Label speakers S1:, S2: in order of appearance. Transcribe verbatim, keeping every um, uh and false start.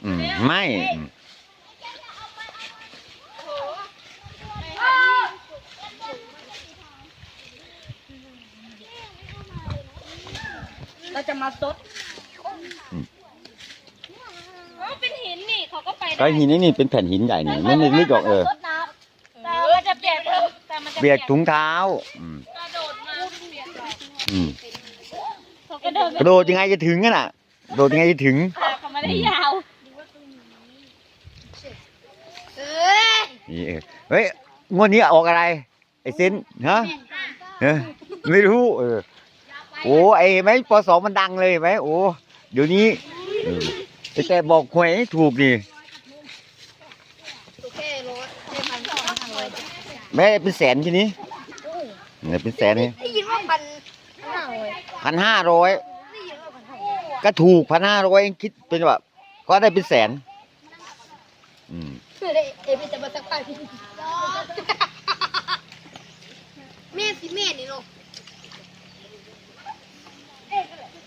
S1: อืมไม่
S2: เราจะมาซด
S3: เป็นหินนี่เขาก็ไป
S1: ก็หินนี่นี่เป็นแผ่นหินใหญ่เนี่ยไม่ได้ลึกหรอกเออ
S3: แต่มันจะเปียกแต่มันจะ
S1: เบียดถุงเท้าอืม
S3: กระโดดมาเปียกเลย
S1: อืม
S3: เขากระโดด
S1: กระโดดยังไงจะถึงกันอ่ะโดดยังไงจะถึง
S3: ขาเขาไม่ได้ยาว
S1: นี่เออเฮ้ยงวดนี้ออกอะไรไอ้เซนฮะเออไม่รู้เออโอ้ไอ้ไหมปสองมันดังเลยไหมโอ้เดี๋ยวนี้เออแต่บอกหวยให้ถูกดิแม่เป็นแสนทีนี้เนี่ยเป็นแสนนี่
S2: ได้ยินว่าพันห้าเลย
S1: พันห้าร้อย
S2: ได้ยินว่าพันห้า
S1: ก็ถูกพันห้าร้อยคิดเป็นแบบก็ได้เป็นแสนอืม
S2: คือได้เอฟจะมาสักป้ายพี่